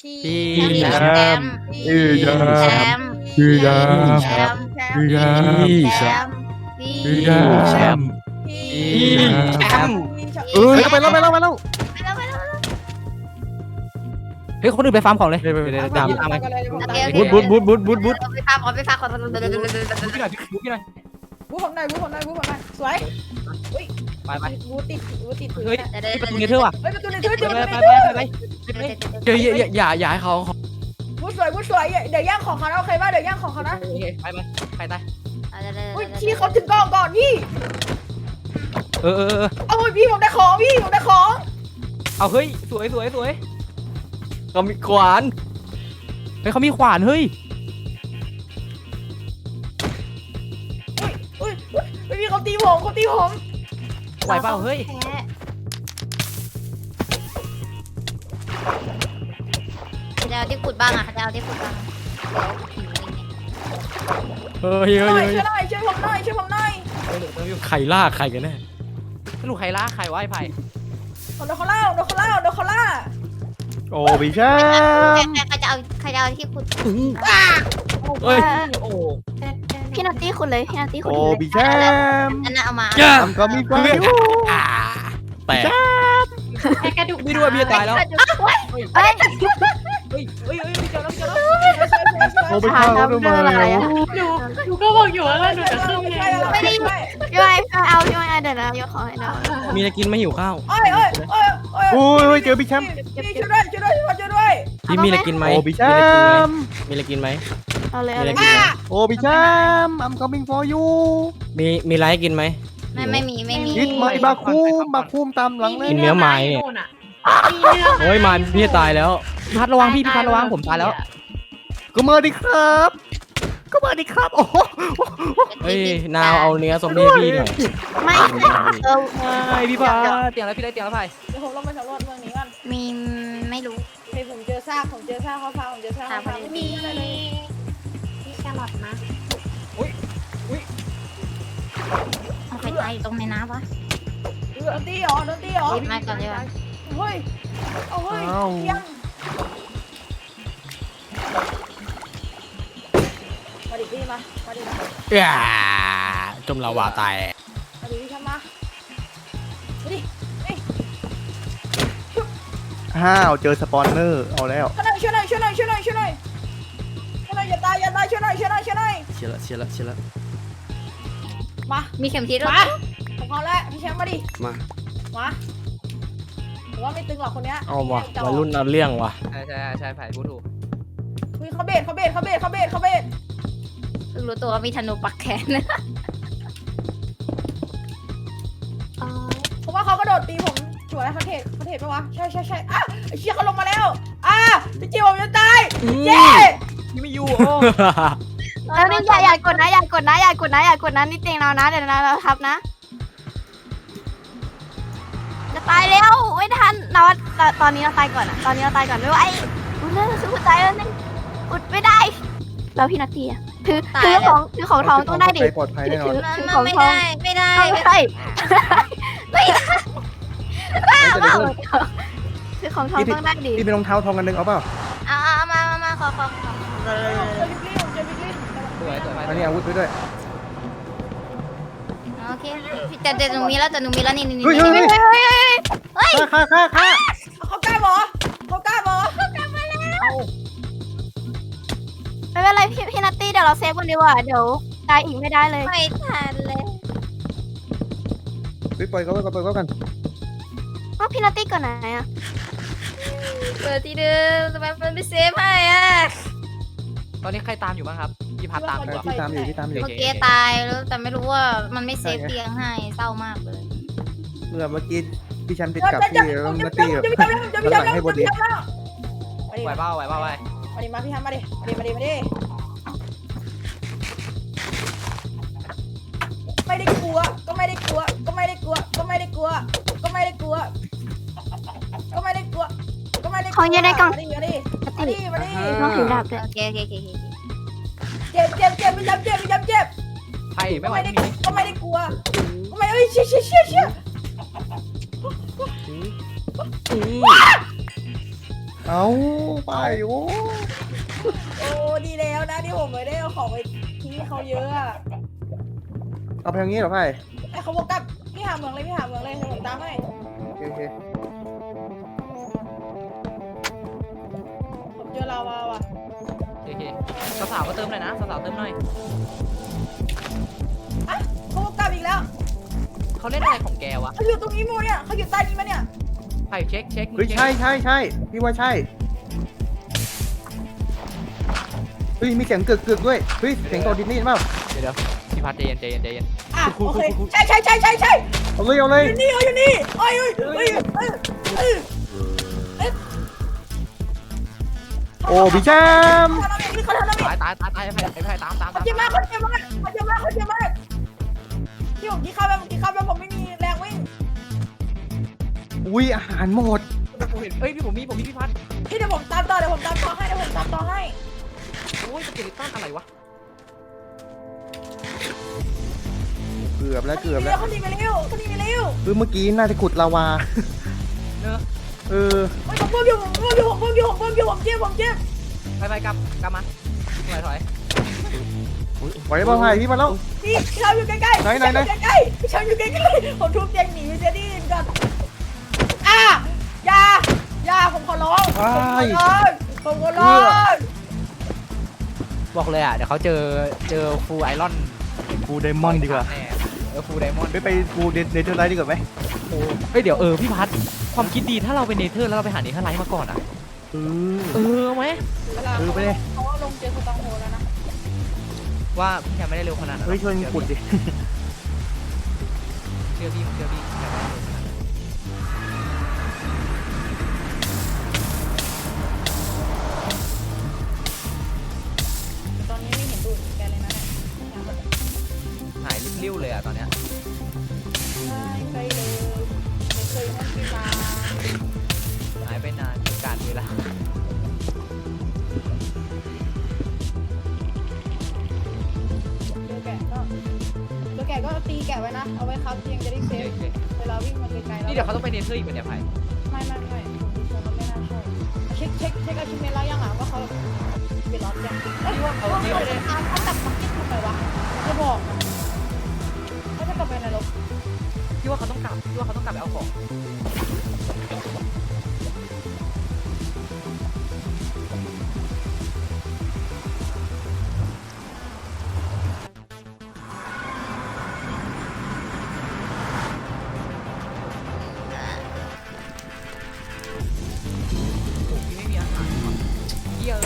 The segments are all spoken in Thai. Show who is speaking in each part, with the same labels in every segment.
Speaker 1: พี่
Speaker 2: พี่
Speaker 1: แชมป์
Speaker 2: พี่แชมป์
Speaker 1: แชมป์
Speaker 2: พี่แชมป์
Speaker 1: แชมป์
Speaker 2: พี่แชมป์
Speaker 1: แชมป์
Speaker 2: พี่แชมป์
Speaker 1: พี่แชมป์
Speaker 2: เอ้ยไปแล้ว
Speaker 1: ไปแล้ว
Speaker 3: เฮ้ยคนอื่นไปฟาร์มของเลย
Speaker 2: เดี๋ยวตาม
Speaker 3: ตามไป
Speaker 2: บุด
Speaker 1: ไปฟาร์มขอไปฟาร์มขอ
Speaker 3: บุกพี่หน่อยบุกพี่หน่อย
Speaker 4: บูผมหน่อยสวย
Speaker 3: ไปไป
Speaker 4: บูติด
Speaker 3: เฮ้ยที่ประตูเนเธอร์ว่ะ
Speaker 4: เฮ้ยประตูในเธอ
Speaker 3: ไป
Speaker 4: เจอ
Speaker 3: ไป
Speaker 4: ประตูใน
Speaker 3: ไป
Speaker 4: เธอ
Speaker 3: ไป
Speaker 2: เดี๋ยวอย่าให้เขา
Speaker 4: บูสวยเดี๋ยวย่างของเขานะโอเคป่ะเดี๋ยวย่างของเขานะ
Speaker 3: ไปไปไปตาย
Speaker 4: อุ้ยพี่เขาถึงกองก่อนพี่
Speaker 3: เออ
Speaker 4: เอาพี่ผมได้ของพี่ผมได้ของ
Speaker 3: เอาเฮ้ยสวย
Speaker 2: เขามีขวาน
Speaker 3: เฮ้ยเขามีขวานเฮ้ย
Speaker 4: อุ้ยพี่เขาตีผม
Speaker 3: ไหวเปล่าเฮ้ย
Speaker 1: เขาจะเอาที่ขุดบ้างอ่ะเขาจะเอาที่ขุดบ้าง
Speaker 2: เฮ้ย
Speaker 4: ช่วยผมหน่อย
Speaker 2: ใครล่าใครกันแน่
Speaker 3: สรุปใครล่าใครวะไอ้ไผ่
Speaker 4: โดนเขาล่า
Speaker 2: โอ้พี่แชมป์
Speaker 1: ใครจะเอาที่ขุด
Speaker 2: เฮ้ย
Speaker 3: โอ้
Speaker 1: พี่นัตตี้ขุดเลยพี่นัตตี้ขุด
Speaker 2: โอ้พี่แชมป์
Speaker 1: อันนั้นเอามา
Speaker 2: ทำก็มีความแต่
Speaker 1: แค่กระดูก
Speaker 3: พี่ด้วยพี่ตายแล้ว
Speaker 1: เฮ้ย
Speaker 3: เฮ้ยเจอแล้ว
Speaker 2: โอ้ไปฆ่าเขาทำไม
Speaker 5: หนูก็บอกอยู่ว่าหนูจะขึ้นไง
Speaker 1: ไม่ได้พี่ไอ้เอาพี่ไอ้เดี๋ยวนะยกของให้นะ
Speaker 3: มีอะไรกินไม่หิวข้าว
Speaker 4: โอ้ยเจอพี่แชมป์พี่ช่วยด้วย
Speaker 3: พี่มีอะไรกินไหม
Speaker 2: โอ้พี่แชมป์
Speaker 3: มีอะไรกินไหม
Speaker 1: เอาเลย
Speaker 3: มี
Speaker 1: เอา
Speaker 3: อะไร
Speaker 1: เลย
Speaker 3: กินไหม
Speaker 2: โอ้พี่แชมป์ I'm coming for you
Speaker 3: มีอะไรให้กินไหม
Speaker 1: ไม่มี
Speaker 2: ยิดมาบาคุมตามหลังเลย
Speaker 3: กินเนื้อไม้เนี่ย โอ้ยมาพี่ตายแล้วพี่พัดระวังพี่พัดระวังผมตายแล้ว
Speaker 2: ก็มาดิครับโอ้โห
Speaker 3: เฮ้ยนาวเอาเนื้อซอมบี้พี่หน่อย
Speaker 1: ไม่เออ
Speaker 3: พี่พัดเตียงแล้วพี่ได้เตียงแล้วไผ่
Speaker 4: เดี๋ยวผมลงไปสำรวจเมืองนี้ก่อน
Speaker 1: มีไม่รู้
Speaker 4: เฮ้ยผมเจอซากเขาพาผมเจอซากเขาพาไม่มีอะไรเลย
Speaker 5: พี่แครอทนะ
Speaker 1: เอาใครตายอยู่ตรงในน้ำวะ
Speaker 4: โดนตีเหรอ
Speaker 1: มาก่อนดีกว่า
Speaker 4: เฮ้ยยังมาดิพี่มาดิ
Speaker 2: จมลาวาตาย
Speaker 4: มาดิพี่ทำมาดิ
Speaker 2: ห้าวเจอสปอนเนอร์เอาแล้ว
Speaker 4: ช่วยหน่อยอย่าตายช่วยหน่อย
Speaker 2: เชียร์ละ
Speaker 4: มา
Speaker 1: มีเข็มทิศด้วย
Speaker 4: ของเขาแล้วพี่แชมป์มาดิ
Speaker 2: มา
Speaker 4: ผมว่าไม่ตึงหรอกคนเนี้ย
Speaker 2: เอาว่ะวัยรุ่นเอาเรื่องว่ะ
Speaker 3: ใช่ไผ่พูดถูก
Speaker 4: คุยเขาเบส
Speaker 1: เพิ่งรู้ตัวว่ามีธนูปักแขน
Speaker 4: ผมว่าเขากระโดดตีผมสวยเขาเทปปะวะใช่อ่ะไอ้เชี่ยเขาลงมาแล้วพี่จิ๋วผมจะตายเย้
Speaker 3: พี่ไม่อยู่
Speaker 1: แล้วนี่อย่ากดนะนี่เตียงเรานะเดี๋ยวเราทับนะจะตายแล้วไม่ทันเราตอนนี้เราตายก่อนไม่ไหวอุดเลยคืออุดตายแล้วนี่อุดไม่ได้แล้วพี่นัตตี้อะถือของทองต้องได้ดิ
Speaker 2: ปลอดภัยแน่นอน
Speaker 1: ถือของทองไม่ได้ถือของทองต้องได้ดิ
Speaker 2: พี่เป็นรองเท้าทองกันนึงเอาเปล่า
Speaker 1: เอามาขอ
Speaker 4: เจอบิ๊กลิน
Speaker 3: สวย
Speaker 2: อันนี้อาวุธไปด้วย
Speaker 1: โอเคแต่หนูมีแล้วนี่
Speaker 2: เฮ้ยฆ่า
Speaker 4: เขากล้าบอ
Speaker 1: ไม่เป็นไรพี่นัตตี้เดี๋ยวเราเซฟกันดีกว่าเดี๋ยวตายอีกไม่ได้เลยไม่ทันเลย
Speaker 2: ปล่อยเขากัน
Speaker 1: ก็พี่นัตตี้ก่อนไหนอะเปิดที่เดิมทำไมมันไม่เซฟให้อะ
Speaker 3: ตอนนี้ใครตามอยู่บ้างครับพี่พัดตามอยู่
Speaker 2: ที่ตามอยู่
Speaker 1: เมื่อกี้ตายแล้วแต่ไม่รู้ว่ามันไม่เซฟเตียงให้เศร้ามากเลย
Speaker 2: เมื่อกี้พี่ชันติดกับพี่แล้วมาตีแบบหลังให้บดี
Speaker 3: ไหวเปล่า
Speaker 4: มาพี่ฮันมาดิไม่ได้กลัว
Speaker 1: ของอยู่ในกล่อง
Speaker 4: มาดิ
Speaker 1: น้องถือดาบด้วยโอเค
Speaker 4: เจ็บไม่ย้ำเจ็บ
Speaker 3: ไผ่ไม่ไหว
Speaker 4: ก็ไม่ได้กลัวเอ้ยเชี่ย
Speaker 2: เอาไปโอ้
Speaker 4: โอ้ดีแล้วนะที่ผมไม่ได้เอาของไปทิ้งให้เขาเยอะอะ
Speaker 2: เอาไปทางนี้เหรอไพ่
Speaker 4: ไอ้เขาบอกกับพี่หาเมืองเลยพี่หาเมืองเลยเดี๋ยวผมตามให้
Speaker 2: โอเค
Speaker 4: ผมเจอลาวาว่ะ
Speaker 3: โอเคสาวๆก็เติมหน่อยนะสาวๆเติมหน่อย
Speaker 4: อ่ะเขาบอกกับอีกแล้ว
Speaker 3: เขาเล่นอะไรของแกวะ
Speaker 4: เขาอยู่ตรงนี้มูเนี่ยเขาอยู่ใต้นี้มาเนี่ย
Speaker 3: ไผ่เช็ค
Speaker 2: เฮ้ยใช่พี่ว่าใช่เฮ้ยมีเสียงกึกด้วยเฮ้ยเสียงโดดดินนี่เปล่า
Speaker 3: เดี๋ยวพี่พัดใจเย็น
Speaker 4: อ่ะโอเคใช่
Speaker 2: เอาเลย
Speaker 4: อยู่นี่เขาอยู่นี่โอ้ย
Speaker 2: โอ้พี่แชมป์
Speaker 4: เขาทำอะไร
Speaker 3: ตายไอ้ไผ่ตาม
Speaker 4: เขาเจ็บมากที่ผมกินข้าวแล้วผมไม่มีแรงวิ่ง
Speaker 2: อุ้ยอาหารหมด
Speaker 3: ผมเห็นเฮ้ยผมมีพี่พัด
Speaker 4: พี่เดี๋ยวผมตามต่อให้
Speaker 3: โอ้ยสเกลิตันอะไรวะ
Speaker 2: เกือบแล้ว
Speaker 4: เขาหนีไปเร็ว
Speaker 2: คือเมื่อกี้น่าจะขุดลาวา
Speaker 3: เนอะ
Speaker 4: ผมเพิ่มอยู่ผมเจ็บ
Speaker 3: ไปกลับมาถอย
Speaker 2: ไหวเปล่าไพ่พี่มาแล้ว
Speaker 4: พี่ชาวอยู่ใกล้ๆ
Speaker 2: ไหน
Speaker 4: พี่ชาวอยู่ใกล้ๆผมทุบเตียงหนีเสียดีก่อนอย่าผมขอร้อง
Speaker 3: บอกเลยอ่ะเดี๋ยวเขาเจอฟูไอรอน
Speaker 2: ฟูไดมอนด์ดีกว่า
Speaker 3: ฟูไดมอนด์
Speaker 2: ไปฟูเนเธอร์ไลท์ดีกว่าไหม
Speaker 3: เฮ้ยเดี๋ยวพี่พัดความคิดดีถ้าเราไปเนเธอร์แล้วเราไปหาเนเธอร์ไลท์มาก่อนอ่ะไหม
Speaker 4: เขาลงเจอสตองโฮแล้วนะ
Speaker 3: ว่าพี่แคมไม่ได้เร็วขนาดนั้น
Speaker 2: เฮ้ยช่วยขุดดิ
Speaker 3: เชื่อพี่
Speaker 4: ตอนนี้ไม่เห็นดูแกเลยนะเนี่ย
Speaker 3: หายริ้วเลยอ่ะตอนเนี้ย
Speaker 4: เคยเลยไม่เคยนั่งกินมา
Speaker 3: หายไปนานการเวลา
Speaker 4: เจอแกก็ตีแกไว้นะเอาไว้ครับเตียงจะได้เซฟเวลาวิ่งมาไกลๆแล้ว
Speaker 3: นี่เดี๋ยวเขาต้องไปเนเธอร์อีกเป็นเนี่ยไผ่
Speaker 4: ไม่ผมดูทรงแล้วไม่น่าใช่เช็คอาชิเมะแล้วยังอ่ะว่าเขาเปลี่ยนรถยังเขาตัดบักเก็ตทำไมวะจะบอกเขาจะกลับไปไหนรถ
Speaker 3: พี่ว่าเขาต้องกลับไปเอาของพี่ไม่มีอาหารเยอะ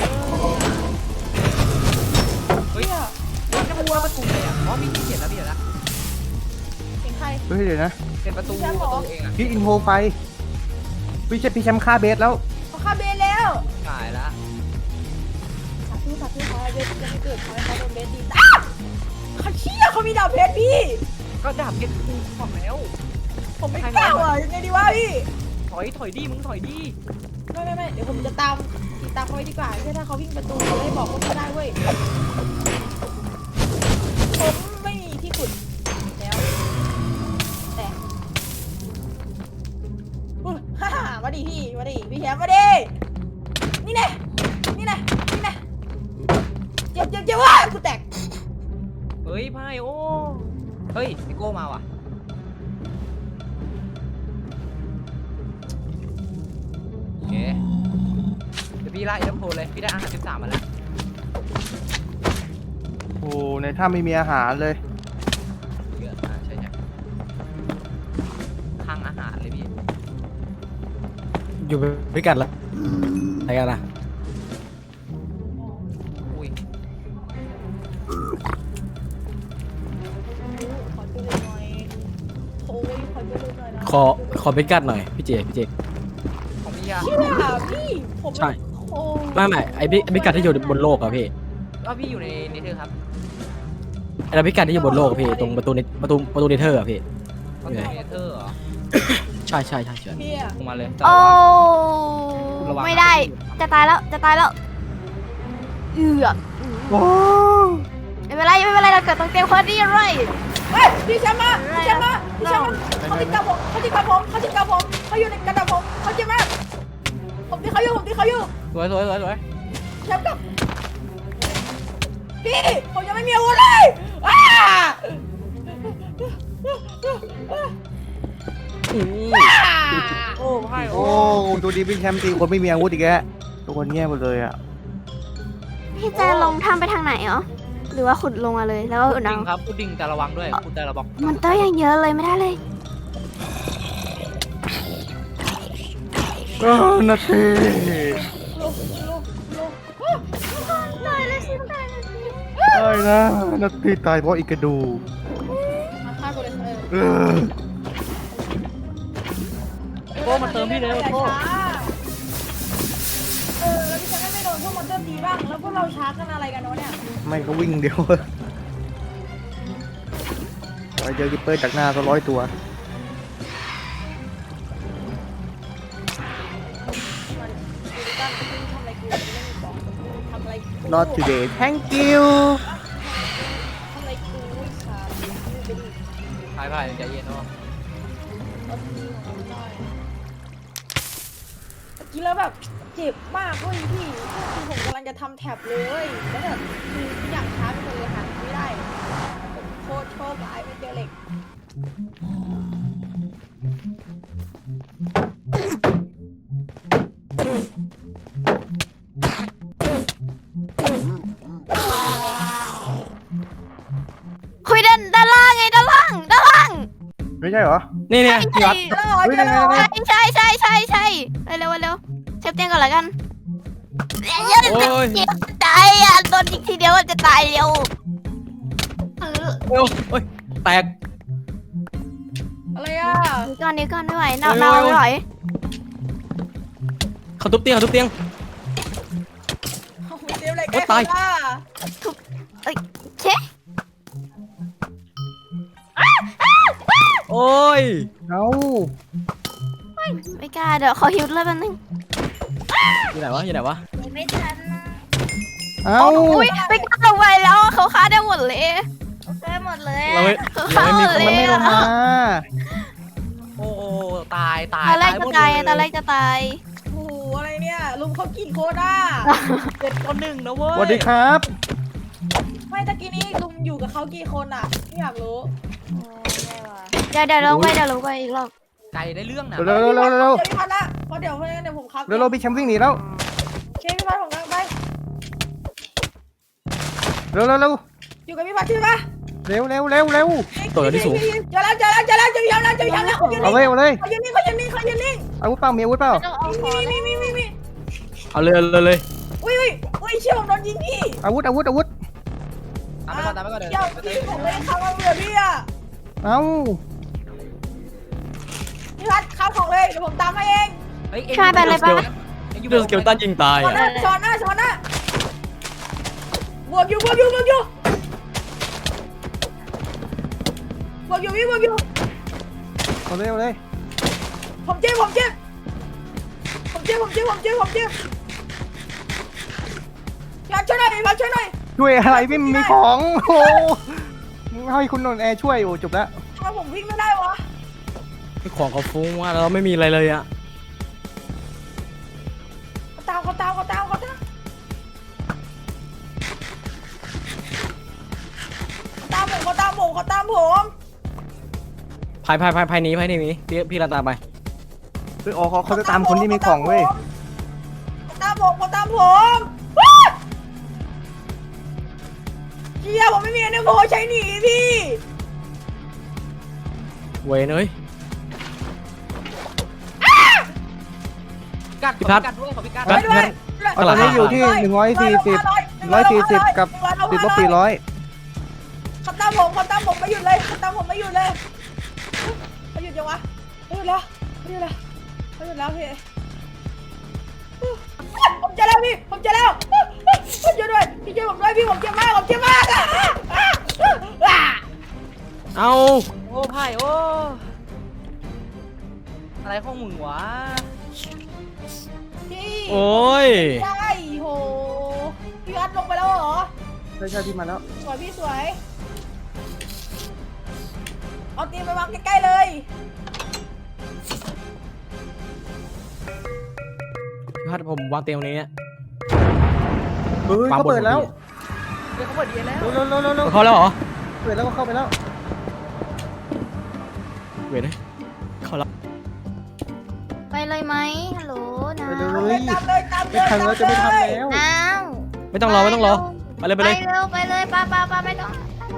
Speaker 3: เฮ้ยจะมาวัวประตูเลยอ่ะอ๋อมีที่เขียนแล้วพี่เดี๋ยวนะ
Speaker 4: เสียงใคร
Speaker 2: เฮ้ยเดี๋ยวนะ
Speaker 3: เป็นประตูเองอ่ะ
Speaker 2: พี่อินโทรไฟพี่แชมป์ฆ่าเบสแล้ว
Speaker 4: เขาฆ่าเบนแล้ว
Speaker 3: ขายละ
Speaker 4: สาธุขอให้เบสจะไม่เกิดขอให้เขาโดนเบสตีเขาเชี่ยเขามีดาบเพชรพี่
Speaker 3: ก็ดาบเพชรกูบอกแล้ว
Speaker 4: ผมไม่กล้าอ่ะยังไงดีวะพี่
Speaker 3: ถอยดิมึงถอยดิ
Speaker 4: ไม่เดี๋ยวผมจะตามเขาไว้ดีกว่าถ้าเขาวิ่งประตูเขาได้บอกว่าเขาได้เว้ยผมไม่มีที่ขุดแล้วแต่ฮ่ามาดิพี่แชมป์มาดินี่แน่เจ็บว่ะกูแตก
Speaker 3: เฮ้ยไพ่โอ้เฮ้ยไอโก้มาว่ะโอเคเดี๋ยวพี่ไล่น้ำโพเลยพี่ได้อาหาร13มาแล้ว
Speaker 2: โอ้ในถ้ำไม่มีอาหารเลย
Speaker 3: เยอะใช่ทางอาหารเลยพี่
Speaker 6: อยู่ด้วยกันแล้วอะไรกันล่ะ
Speaker 3: อุ้ย
Speaker 4: ขอช่วยหน่อยโอ้ยขอช่วยหน่อยนะ
Speaker 6: ขอเป็นกัดหน่อยพี่เจ
Speaker 3: ของพี่ยา
Speaker 4: เชื่อพี่ผม
Speaker 6: ใช่
Speaker 4: โอ้
Speaker 6: ไม่ไอ้พิกัดที่อยู่บนโลกอะพี่
Speaker 3: ว่าพี่อยู่ในนี้เธอครับ
Speaker 6: ไอ้พิกัดที่อยู่บนโลกอะพี่ตรงประตูเนเธอร์อะพี่
Speaker 3: ประตูเนเธอร์เหรอ
Speaker 6: ใช่
Speaker 4: พี่อะ
Speaker 3: ลงมาเลย
Speaker 1: โอ้
Speaker 3: ระวัง
Speaker 1: ไม่ได้จะตายแล้วเอือก
Speaker 2: ว้าว
Speaker 1: ไม่เป็นไรเราเกิดตรงเตียงคนดีเลย
Speaker 4: เฮ้ยพี่แชมป์มาเขาติดกับผมเขาอยู่ในกระดาษผมเขาเจ็บมากผมตีเขาอยู่ผมตีเขาอยู่
Speaker 3: สวยสวยสวยสวย
Speaker 4: แชมป์กับพี่ผมยังไม่มีอาวุธเลยอ้า
Speaker 3: โอ้ไพ่
Speaker 2: โอ้ดูดีพี่แชมป์ตีคนไม่มีอาวุธอีกแล้วทุกคนแย่หมดเลยอ่ะ
Speaker 1: พี่จะลงถ้ำไปทางไหนเหรอหรือว่าขุดลงมาเลยแล้วก็อุด
Speaker 3: ดิ่
Speaker 1: เอา
Speaker 3: งครับคุณดิ่งแต่ระวังด้วยคุณแต่ระวัง
Speaker 1: มันเตอร์ยังเยอะเลยไม่ได้เลย
Speaker 2: นาที
Speaker 4: ลุก
Speaker 1: ได้เลยสิได้เลยสิ
Speaker 2: ได้นะนาทีตายเพราะอีกกระดูก
Speaker 4: มาฆ่ากูเลย
Speaker 2: เออ
Speaker 3: โอ้มันเติมพี่เลย
Speaker 4: อย่า
Speaker 3: โอ้
Speaker 4: ช้าแล้วพี่ฉันไม่โดนพวกมอนเตอร์ตีบ้างแล้วพวกเราช้ากันอะไรกันวะเนี่ย
Speaker 2: ไม่ก็วิ่งเดียวไปเจอกิปเปอร์จากหน้าก็100 ตัว
Speaker 4: ทำอะไรกู
Speaker 2: not today thank you
Speaker 4: ทำอะไรกูค่ะไปดิ
Speaker 3: ไพ่ไพ่ใจเย็นเนาะ
Speaker 4: เอาทีของหน่อยเมื่อกี้แล้วแบบเจ็บมากเว้ยพี่คือผมกำลังจะทำแท็บเลยแล้วแบบคืออยากช้าไปหมดเลยหาไม่ได้โคตรโชคร้ายไม่เจอเหล็ก
Speaker 1: คุยด้านล่างไงด้านล่าง
Speaker 2: ไม่ใช่เหรอ
Speaker 6: นี่เนี่ยพี่พัด
Speaker 2: เฮ้ยไหน
Speaker 1: ใช่เร็วเชฟเตียงก่อนละกัน
Speaker 6: โอ้ย
Speaker 1: ตายอ่ะโดนอีกทีเดียวจะตายเร็ว
Speaker 6: โอ้ยแตก
Speaker 4: อะไรอ่ะ
Speaker 1: เดี๋ยวก่อนไม่ไหวเนาไม่ไหว
Speaker 6: เขาทุบเตียงเขาทุบเตียง
Speaker 4: เดี๋ยวอะไร
Speaker 6: โอ๊ยตาย
Speaker 1: เช
Speaker 6: โอ้ย
Speaker 2: เอา
Speaker 1: ไม่กล้าเดี๋ยวขอฮิวเลยแป๊บนึง
Speaker 6: อยู่ไหนวะอยู่ไหนวะ
Speaker 1: ไม่ทัน
Speaker 2: เอา
Speaker 1: อุ้ยไม่กล้าลงไปแล้วเขาฆ่าได้หมดเลยได้หมดเลย
Speaker 6: เราไม่
Speaker 1: เขา
Speaker 6: เรา
Speaker 1: ฆ่า
Speaker 6: ไม่
Speaker 1: ห
Speaker 6: มี
Speaker 1: มด
Speaker 6: คน
Speaker 1: เล
Speaker 2: มัน
Speaker 1: ย
Speaker 2: ไม่ลงมา
Speaker 3: โอ้ตายตาย
Speaker 1: ตอนแรกจะ
Speaker 3: หมด
Speaker 1: ตาย
Speaker 3: เลย
Speaker 1: ตอนแรกจะตาย
Speaker 4: โอ้โหอะไรเนี่ยลุงเขากินโคด้า
Speaker 3: 7-1นะเว้ย
Speaker 2: สวัสดีครับ
Speaker 4: ไม่ตะกี้นี้ลุงอยู่กับเขากี่คนอ่ะไม่อยากรู้
Speaker 1: เดี๋ยวลงไปอีกรอบ
Speaker 3: ไก่ได้เรื่องนะ
Speaker 2: เร็วเร็ว
Speaker 4: เดี๋ยวพี่พัดละเพราะเดี๋ยวผมครับ
Speaker 2: เร็วพี่แชมป์วิ่งหนีแล้ว
Speaker 4: เชฟพี่พัดผมกำลังไป
Speaker 2: เร็ว
Speaker 4: อยู่กับพี่พัดใช่ปะ
Speaker 2: เร็ว
Speaker 6: ตัวที่สูง
Speaker 4: เจอแล้ว
Speaker 2: เอาเลย
Speaker 4: เขายืนนิ่ง
Speaker 2: อาวุธเปล่ามีอาวุธเปล่า
Speaker 4: มี
Speaker 6: เอาเลยเลย
Speaker 4: อุ้ยเชี่ยวผมโดนยิงพี่
Speaker 2: อาวุธ
Speaker 3: ตามไปก่อนเดี๋ยว
Speaker 4: เชี่ยวพี่ผมไม่ได้เข้ามาเบื่อพี่อ่ะ
Speaker 2: เอา
Speaker 4: พี่พัดเข้าของเลยเดี๋ยวผมตามให้เอง
Speaker 3: เฮ้ย
Speaker 1: ช่วยไปเลยปะ
Speaker 6: เรื่องสเกลตันยิงตาย
Speaker 4: ช้อนหน้าบวกอยู่พี่บวกอยู่
Speaker 2: เอาเลย
Speaker 4: ผมเจ็บอยากช่วยหน่อย
Speaker 2: ช่วยอะไรไม่มีของโอ้ให้คุณนนท์แอร์ช่วยโอ้จบแล้ว
Speaker 4: ทำไมผมวิ่งไม่ได้วะ
Speaker 6: ของเขาฟุ้งว่าเราไม่มีอะไรเลยอะ
Speaker 4: เขาตามผม
Speaker 6: ภายนี้พี่รันตามไป
Speaker 2: อ๋อเขาจะตามคนที่มีของเว้ย
Speaker 4: เขาตามผมเชี่ยผมไม่มีอันนี้โผใช้หนีพี่
Speaker 6: เวยเอ้ย
Speaker 3: พี่พัดด้วยขอพี่กัด
Speaker 6: พัด
Speaker 2: ตอนนี้อยู่ที่140กับติดลบ400
Speaker 4: เขาตามผมไม่หยุดเลยเขาหยุดยังวะเขาหยุดแล้วพี่ผมเจอแล้วผมช่วยด้วยพี่ช่วยผมด้วยพี่ผมเจ็บมาก
Speaker 6: เอา
Speaker 3: โอ้ไพ่โอ้อะไรของมึงวะ
Speaker 4: พี่
Speaker 6: โอ้ย
Speaker 4: ใช่โหพี่พัดลงไปแล้วเหรอ
Speaker 2: ใช่พี่มาแล้ว
Speaker 4: สวยพี่สวยเอาตีนไปวางใกล้ๆเลย
Speaker 2: โอเค
Speaker 6: พี่พัดผมวางเตียงตรงนี้เนี่ย
Speaker 2: เฮ้ยเขาเปิดแล้ว
Speaker 3: เดี๋ยวเขาเปิดดีแล้ว
Speaker 2: เร็วเร็วเร็วเร็ว
Speaker 6: เขาแล้วเหรอ
Speaker 2: เปิดแล้วก็เข้าไปแล้ว
Speaker 6: เว้ยนะเขาแล้ว
Speaker 1: ไปเลยไหมฮัลโหลนะ
Speaker 2: ไปเลย
Speaker 4: ตามเลยตามเลย
Speaker 2: ไม่ทันแล้วจะไม่ทันแล้ว
Speaker 1: อ้าว
Speaker 6: ไม่ต้องรอไม่ต้องรอไปเลยไปเลย
Speaker 1: เร็วไปเลยป้าไม่ต้อง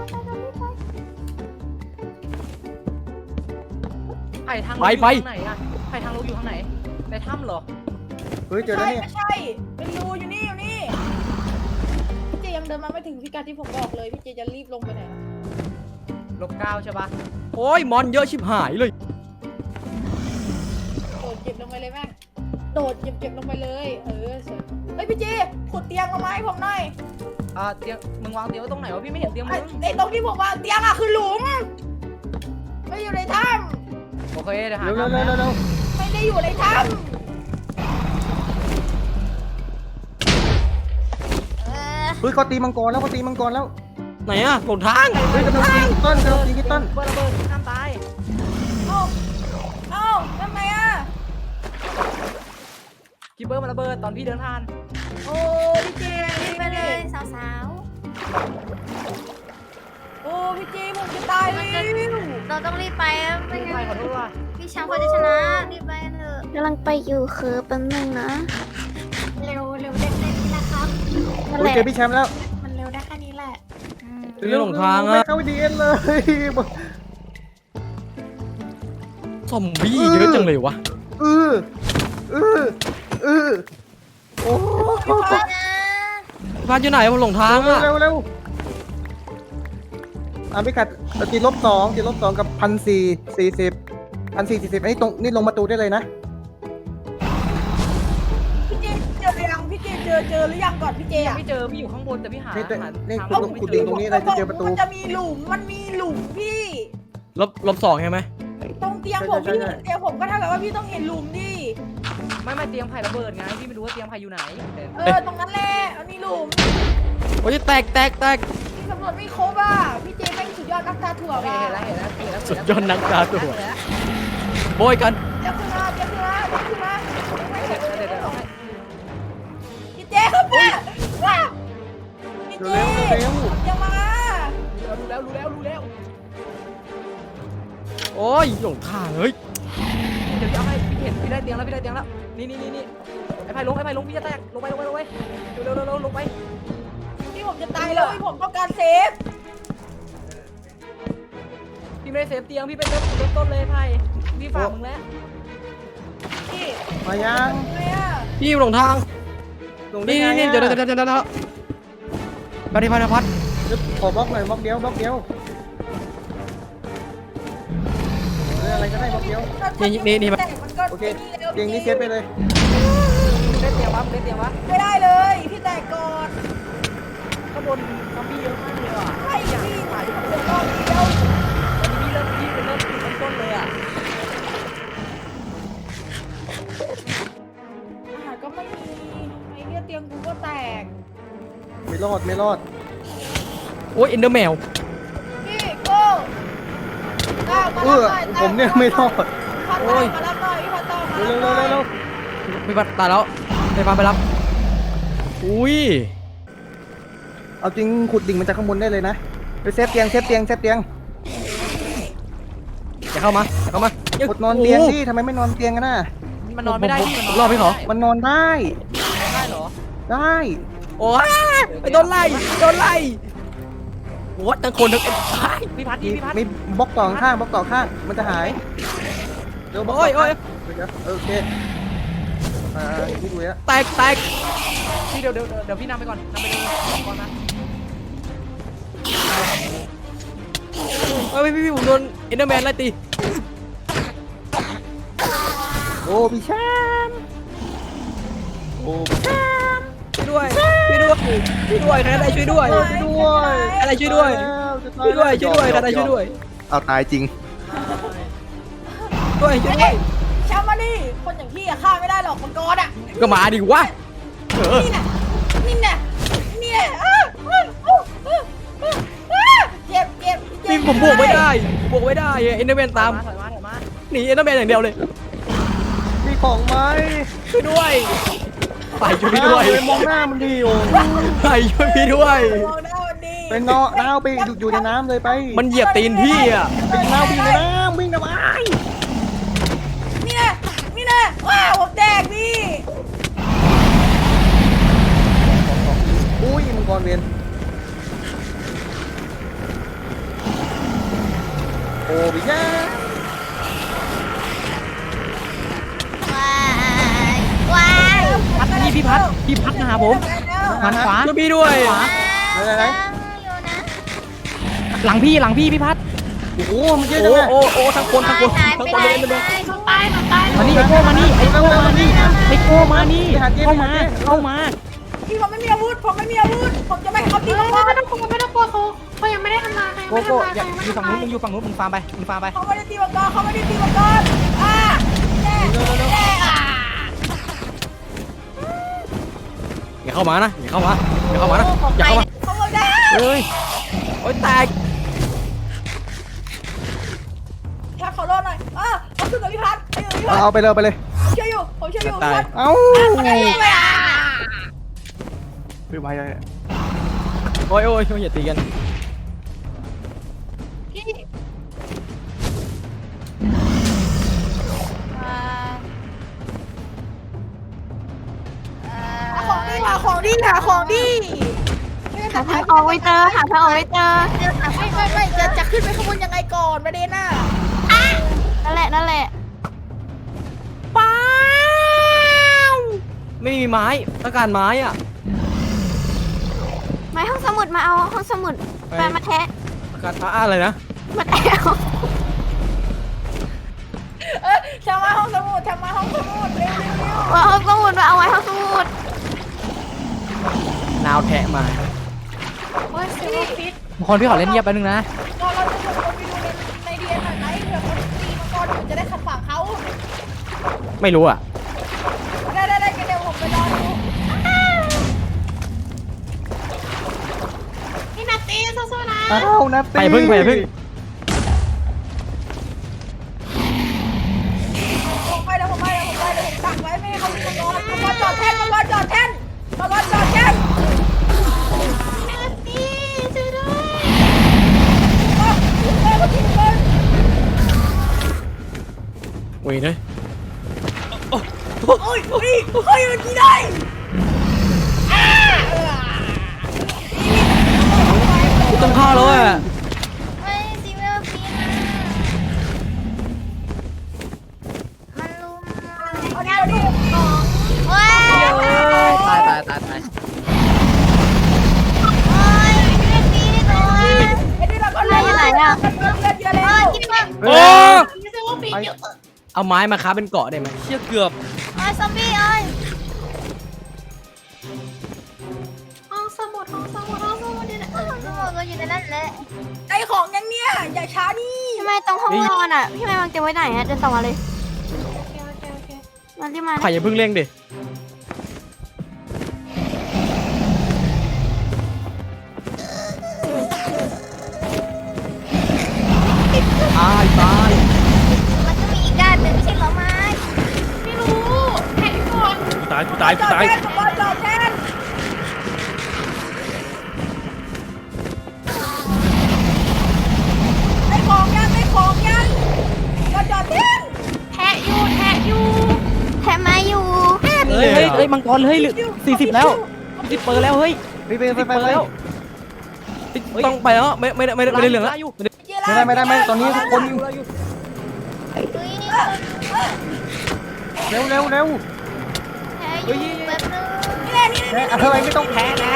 Speaker 3: ไผ่ทางลงอยู่ทางไหนอะไผ่ทางลงอยู่ทางไหนในถ้ำเหรอ
Speaker 2: เฮ้ยเจอแล้วเนี่ย
Speaker 4: ไม่ใช่เป็นรูอยู่นี่อยู่นี่พี่เจยังเดินมาไม่ถึงพิกัดที่ผมบอกเลยพี่เจจะรีบลงไปไหน
Speaker 3: ลบ9ใช่ปะ
Speaker 6: โอ้ยมอนเยอะชิบหายเลย
Speaker 4: โดดเจ็บลงไปเลยแม่งโดดเจ็บลงไปเลยสวยเฮ้ยพี่เจขุดเตียงลงมาให้ผมหน่อย
Speaker 3: เตียงมึงวางเตียงไว้ตรงไหนวะพี่ไม่เห็นเตียงมึง
Speaker 4: ไอ้ตรงที่ผมวางเตียงอะคือหลุมไม่อยู่ในถ้
Speaker 3: โอเคเดี๋ยวหา
Speaker 2: เร็วเร็วเร็วเร็วเร็ว
Speaker 4: ำไม่ได้อยู่ในถ้
Speaker 2: เฮ้ยเขาตีมังกรแล้วเขาตีมังกรแล้ว
Speaker 6: ไหนอะหลงทาง
Speaker 2: เฮ้ยกำลังตีต้นกำลังตีที่ต้น
Speaker 3: เปิดระเบิดห้ามตาย
Speaker 4: ำเอ้าทำไมอะ
Speaker 3: คิปเปอร์มันระเบิดตอนพี่เดินผ่าน
Speaker 4: โอ้พี่เจ
Speaker 1: ไปเลยสาว
Speaker 4: โอ้พี่เจผมจะตายแล้ว
Speaker 1: ๆเราต้องรีบไปไม่
Speaker 3: พี่ไป
Speaker 1: งั้น
Speaker 3: ขอโทษว่ะ
Speaker 1: พี่ช้างเขาจะชนะรีบไปเถอะกำลังไปอยู่คือแป๊บนึงนะ
Speaker 5: เร็วเร็วเด็กเล่นนี่นะครับ
Speaker 1: นั่น
Speaker 2: เฮ้
Speaker 1: แห
Speaker 2: ย
Speaker 1: ละ
Speaker 2: เจอพี่แชมป์แล้ว
Speaker 5: มันเร็วได้แค่นี้แหละ
Speaker 6: เรื่องหลงทาง
Speaker 2: ไม่
Speaker 6: อะ
Speaker 2: เข้าดีเอ็นเลย
Speaker 6: ซอมบี้เยอะจังเลยวะ
Speaker 2: เออโอ้
Speaker 1: ไปนะ
Speaker 6: พี่พัดอยู่ไหนผมหลงทางอะ
Speaker 2: เร็วเร็วพี่กัดตีลบ2กับ1,440 1,440อันนี้ตรงนี่ลงประตูได้เลยนะ
Speaker 4: พี่เจเจอยังพี่เจเจอหรือยังก่อนพี่เจ
Speaker 3: ยัง
Speaker 4: อะ
Speaker 3: ไม่เจอพี่อยู่ข้างบนแต่พี่หา
Speaker 2: นี่
Speaker 3: หา
Speaker 2: นี่
Speaker 3: ทาง
Speaker 2: คุณลงขุดดินตรงนี้เลยจะเจอประตู
Speaker 4: มันจะมีหลุมมันมีหลุมพี่
Speaker 6: ลบ2ใช่ไหม
Speaker 4: ตรงเตียงผม
Speaker 2: ใช่
Speaker 4: พี่
Speaker 2: ใช่
Speaker 4: เห็นเตียงผมก็เท่ากับว่าพี่ต้องเห็นหลุมดิ
Speaker 3: ไม่เตียงไผ่ระเบิดไงพี่ไม่รู้ว่าเตียงไผ่อยู่ไหน
Speaker 4: ตรงนั้นแหละมันมีหลุม
Speaker 6: โอ้ยแตก
Speaker 4: พี่สำรวจไม่ครบอ่ะพี่เจแม่งสุดยอดนักตาถั่ว
Speaker 3: เห็
Speaker 4: ว่ะ
Speaker 3: นแล้ว
Speaker 6: สุดยอดนักดาตัวโบยกัน
Speaker 4: เดี๋ยวขึ้นมาไม่เสร็จ
Speaker 3: เดี๋ยว
Speaker 4: พี่เจครับแม่ว้าวพี่เจ
Speaker 2: เร็ว
Speaker 4: ยังมา
Speaker 3: รู้แล้ว
Speaker 6: โอ้ยหลงทางเฮ้ย
Speaker 3: เดี๋ยวพี่เอาให้พี่เห็นพี่ได้เตียงแล้วนี่ไอ้ไผ่ลงพี่จะแตกลงไปเร็วลงไป
Speaker 4: พี่ผมจะตายแล้วพี่ผมต้องการเซฟ
Speaker 3: พี่ไม่ได้เซฟเตียงพี่เป็นเริ่มต้นเลยไผ่พี่ฝากมึงแล้ว
Speaker 4: พี่
Speaker 2: มายัง
Speaker 4: ทำไมอ่ะ
Speaker 6: พี่หลงทาง
Speaker 2: ลงได้
Speaker 6: นี่
Speaker 2: ไง
Speaker 6: เดี๋ยวไปที่พัด
Speaker 2: ขอบล็อกหน่อยบล็อกเดียวอะไรก็ได้บล็อกเดียว โอเคเตียงนี้เซฟไปเลย
Speaker 3: ได้เตียงวะ
Speaker 4: ไม่ได้เลยพี่แตกก่อน
Speaker 3: ข้างบนซอมบี้เยอะมากเลยอ่ะ
Speaker 4: ใช่พี่ถ่ายผมเป็นรอบเดียว
Speaker 3: วันนี้พี่เป็นเริ่มต้นเลยอ่ะ
Speaker 4: อาหารก็ไม่มีไอ้เนี่ยเตียงกูก็แตก
Speaker 2: ไม่รอด
Speaker 6: โอ้ยเอ็นเดอร์แมว
Speaker 4: พี่โก้ก้าวมา
Speaker 2: เอ
Speaker 4: รับ
Speaker 2: อ
Speaker 4: หน่อย
Speaker 2: ผมเนี่ยไม่รอด
Speaker 4: พัด
Speaker 6: โอ้ย
Speaker 4: มารับหน่อยพี่พัดต่อมา
Speaker 2: เร็
Speaker 4: รับ
Speaker 2: ว
Speaker 4: หน่อย
Speaker 6: พี่พัดตายแล้วไปพาไปรับอุ้ย
Speaker 2: เอาจริงขุดดิ่งมันจากข้างบนได้เลยนะไปเซฟเตียง
Speaker 6: อย่าเข้ามา
Speaker 2: ขุดนอนเตียงดิทำไมไม่นอนเตียงกันน่ะ
Speaker 3: มันนอนไม่ได้พี่
Speaker 6: รอบพี่ขอ
Speaker 2: มันนอนได้
Speaker 3: ได้เหรอ
Speaker 2: ได้
Speaker 6: โอ้ยโดนไล่โอ้ยทั้งคนทั้ง
Speaker 3: พี่พัด
Speaker 2: มีบล็อกต่อข้างมันจะหายเร็วบล็อก
Speaker 6: โอ้ย
Speaker 2: โอเคพี่ดูแล้ว
Speaker 6: แตก
Speaker 3: พี่เดี๋ยวพี่นำไปก่อนนำไปเลยก่อนนะ
Speaker 6: เฮ้ยพี่ผมโดนเอ็นเดอร์แมนไล่ตี
Speaker 2: โอ้พี่แชมป์โอ้พี่แชมป์
Speaker 6: ช่วยด้วยใครได้ช่วยด้วย อะไรช่วยด้วย ใครได้ช่วยด้วย
Speaker 2: เอาตายจริง
Speaker 6: ช่วย
Speaker 4: เฮ้ยแชมป์มาดิคนอย่างพี่อะฆ่าไม่ได้หรอกมังกรอะ
Speaker 6: ก็มาดิวะ
Speaker 4: นี่แน่เจ็บเจ็บ
Speaker 6: นี่ผมบวกไม่ได้เอ็นเดอร์แมนตาม
Speaker 3: ถอยมา
Speaker 6: หนีเอ็นเดอร์แมนอย่างเดียวเลย
Speaker 2: มีของไหม
Speaker 6: ช่วยด้วยไปช่วยพี่ด้วย
Speaker 2: ไปมองหน้ามันดิโอ้
Speaker 6: ไปช่วยพี่ด้วย
Speaker 4: มองหน้ามันดี
Speaker 2: เป็นน้าไปอยู่ในน้ำเลยไป
Speaker 6: มันเหยียบตีนพี่อ่ะ
Speaker 2: เป็นน้าวิ่งในน้ำวิ่งนะวะ
Speaker 4: นี่นะนี่นะว้าวผมแดกพี่
Speaker 2: อุ้ยมังกรเวียนโอ้พี่ย่า
Speaker 1: ว้าย
Speaker 3: พัดนี่พี่พัดมาหาผมหันขวา
Speaker 6: ช่วยพี่ด้วย
Speaker 2: ไหน
Speaker 1: อยู่นะ
Speaker 3: หลังพี่พี่พัด
Speaker 2: โอ้โหมันเยอะ
Speaker 6: โอ้
Speaker 2: จังเลย
Speaker 6: โอ้ทั้งคนทั้งคน
Speaker 1: หาย
Speaker 6: ทั้ง
Speaker 1: ไป
Speaker 6: คน
Speaker 1: ไหน
Speaker 6: เลยเลย
Speaker 5: หนูตายหนูตาย
Speaker 3: มานี่ไอโก้มานี่ไอโก้มานี่ไอโก้มานี่เข้ามา
Speaker 4: พี่ผมไม่มีอาวุธผมไม่มีอาวุธผมจะไม่ให้เขาตี
Speaker 5: ไม่
Speaker 4: มังกร
Speaker 5: ต้องกลัวไม่ต้องกลัวเขายังไม่ได้ทำลายใคร
Speaker 3: โก
Speaker 5: ไม่
Speaker 3: โก้
Speaker 5: ทำลาย
Speaker 3: อย่า
Speaker 5: ใคร
Speaker 3: อยู่ฝั่งนู้นมึงอยู่ฝั่งนู้นมึงฟาร์มไปมึงฟาร์มไป
Speaker 4: เขาไม่ได้ตีมังกรเขาไม่ได้ตีมังกรอ่าแน่แน่อ่ะ
Speaker 6: อย่าเข้ามานะอย่าเข้ามาอย่าเข้ามานะอย่าเข้ามา
Speaker 4: เขาบอกได้
Speaker 6: เฮ้ยโอ้ยแตก
Speaker 4: ถ้าเขารอดหน่อยเขาขึ้นกับพี่พัดไปอยู่กับพี่พัด
Speaker 2: เอาไปเลยไปเลย
Speaker 4: ผมเชื่ออยู่พี่พัด
Speaker 2: เอ้า
Speaker 4: ไม่อ่ะ
Speaker 2: ไปเลย
Speaker 6: โอ้ยอย่าตีกัน
Speaker 4: พี่ หาของดีหาของดี
Speaker 1: หาทางออกไม่เจอหาทางออกไม่เจอ
Speaker 4: ไม่จะขึ้นไปข้างบนยังไงก่อนประเด็นน่ะ
Speaker 1: นั่นแหละ
Speaker 4: ป้าว
Speaker 6: ไม่มีไม้ต้องการไม้อ่ะ
Speaker 1: ไม้ห้องสมุดมาเอาห้องสมุดมาแทะ
Speaker 6: ต้องการอะไรนะ
Speaker 1: มาแทะเอา
Speaker 4: ทำมาห้องสมุดเร็ว
Speaker 1: เอาห้องสมุดมาเอาไว้ห้องสมุด
Speaker 6: นาวแทะมา
Speaker 5: โอ้ยเซลล์ฟิต
Speaker 3: คนพี่ขอเล่นเงียบแป๊บนึงนะ
Speaker 4: เราจะชวนคนไปดูในเดียนหน่อยไหมเผื่อเขาตีมังกรอยู่จะได้ขัดขวางเขา
Speaker 6: ไม่รู้อ่ะ
Speaker 4: ได้เดี๋ยวผมไปรอดู
Speaker 5: พี่นัตตี้สู้ๆนะ
Speaker 2: เอ้านะ
Speaker 6: ไปพึ่ง
Speaker 4: ผมไปเดี๋ยวผมดักไว้ไม่ให้เขาตีมังกรจอดแท่น
Speaker 5: นัตตี้ช่วยด้วย
Speaker 6: โอ้ยเลย
Speaker 4: โอ้ยมันกี่ได้
Speaker 6: กูต้องเข้าแล้วอ่ะ
Speaker 1: ไม่จริงไม่เอาปีนมันลุม
Speaker 4: เอาดิ
Speaker 1: ว้าย
Speaker 6: ตาย
Speaker 1: โอ้ยไม่ปีนเลย
Speaker 4: ไอ้นี่เราก็เลือดเยอะแล้ว
Speaker 1: กินมา
Speaker 6: โอ้
Speaker 5: พี่เซลล์ฟิตอยู่
Speaker 6: เอาไม้มาค้าเป็นเกาะได้ไหมเชี่ยเกือบ
Speaker 1: ไอ้ซอมบี้เอ้ย
Speaker 5: ห้องสมุดอยู่ไหน
Speaker 1: ห้องสมุดก็อยู่ในนั้นแหละ
Speaker 4: ไอ้ของยังเนี่ยอย่าช้านี่
Speaker 1: พี่ไม่ตรงห้องนอนอ่ะพี่ไม่วางเตียงไว้ไหนอ่ะเดินต่อมาเลย
Speaker 5: โอเค
Speaker 1: มาที่มา
Speaker 6: ไข่อย่าเพิ่งเร่งดิตาย
Speaker 1: มันก็มีอีกด้านหนึ่งไม่ใช่เหรอไม้
Speaker 5: ไม่รู้แข่งก่อน
Speaker 6: ตาย
Speaker 4: จอดแท่นจอดแท่นไอ้ของยังจอดแท่น
Speaker 5: แทะอยู่
Speaker 1: แทบมาอยู่
Speaker 3: เฮ้ยมังกรเฮ้ย40แล้ว40เปอร์แล้วเฮ้ย
Speaker 2: ไป
Speaker 3: 10เปอร์แล้ว
Speaker 6: ต้องไปแล้วไม่ได้เหลืองแล้ว
Speaker 3: อยู่
Speaker 2: ไม่ตอนนี้ทุกคนเร็ว
Speaker 1: แทอยู่แป๊บนึง
Speaker 2: อะไรไม่ต้องแพ้แล้ว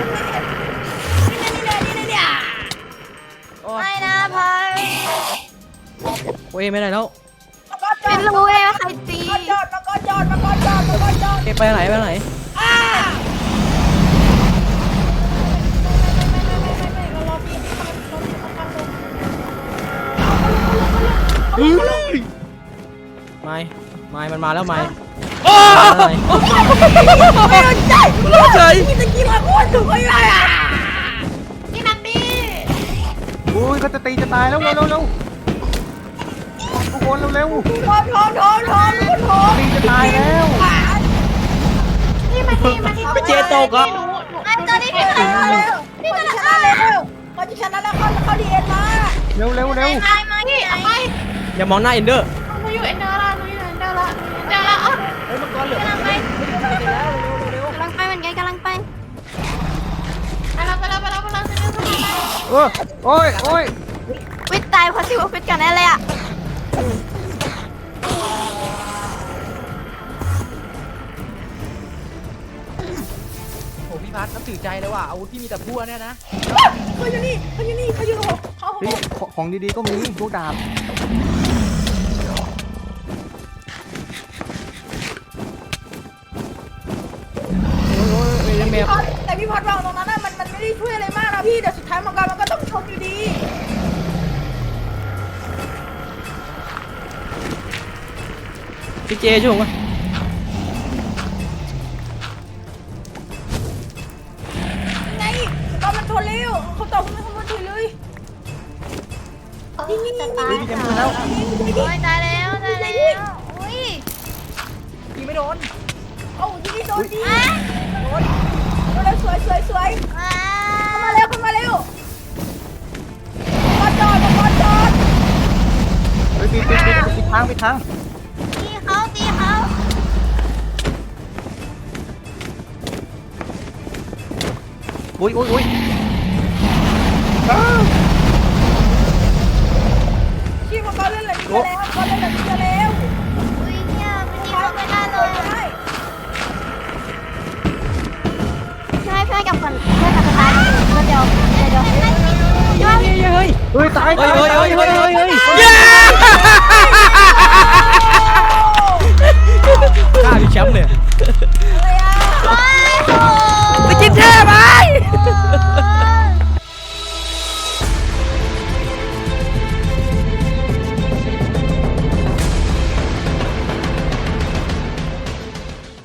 Speaker 1: ไม่นะพาย
Speaker 6: โอ้ยไม่ได้แล้ว
Speaker 1: ไม่รู้เลยว่าใครตี
Speaker 4: จอด
Speaker 6: ไปไหน ไม่มันมาแล้วไม่อะไร
Speaker 4: ไม่สนใจตะกี้มาโคตรถูกเลยอ่ะ
Speaker 5: พี่นัตตี้
Speaker 2: อุ้ยเขาจะตีจะตายแล้วเร็วทุกคนเร็ว
Speaker 4: โถ
Speaker 2: ตีจะตายแล้ว
Speaker 4: นี่
Speaker 6: พี่เจตกเหรอ
Speaker 1: ไอ้ตอนนี้พี่ชนะแล้วพี่ชนะ
Speaker 4: ชนะแล้วพอจะชนะแล้วเขาดีเอ็นมา
Speaker 2: เร็วเร็วเร็ว
Speaker 1: ตายมาที่ไหน
Speaker 6: อย่ามองหน้าเอนเดอร์
Speaker 5: หนูอยู่เอ็นเดอร์ละหนูอยู่เอ็นเดอร์ละเดี๋ยวละ
Speaker 6: เฮ้ยมังกรเหลือก
Speaker 1: ำลังไป
Speaker 6: แล้วเร็ว
Speaker 1: กำลังไปเหมือนกันกำลังไป
Speaker 5: ไปแล้ว
Speaker 2: โอ้ยโอ้ย
Speaker 1: วิทย์ตายเพราะซิวฟิตกันแน่เลยอ่ะ
Speaker 3: โอ้พี่พัดนับถือใจเลยว่ะอาวุธพี่มีแต่พั่วเนี่ยนะ
Speaker 4: เขาอยู่นี่เขาอยู่เขา
Speaker 2: เฮ้ยของดีๆก็มีพวกดาบ
Speaker 4: แต่พี่พอดวางตรงนั้นมันไม่ได้ช่วยอะไรมากนะพี่แต่สุดท้ายมังกรมันก็ต้องชนอยู่ดี
Speaker 6: พี่เจช่วยผมก่อน
Speaker 4: ไงก็มันชนเร็วเขาตอบมันชนเลย
Speaker 5: นี่จะตาย
Speaker 2: พี่เจมส์แล้ว
Speaker 1: โอ้ยตายแล้วอุ้ย
Speaker 4: ยิงไม่โดนเอ้ายิงไม่โดนดิโดนแล้วสวยเข้ามาเร็วมาจอด
Speaker 2: เฮ้ยปิดทาง
Speaker 1: ตีเขา
Speaker 2: อุ้ย
Speaker 4: พี่มังกรเล่นอะไรนี่แล้วก็เล่นอะไรนี่แล้ว
Speaker 1: อุ้ยเนี่ยมันยิงเขาไม่ได้เลยใช่เพื่อนกับคนเพื่อนกับสตาร์เดี๋ยว
Speaker 2: เฮ้ยตาย
Speaker 6: เฮ้ยกล้าพี่แชมป์เลย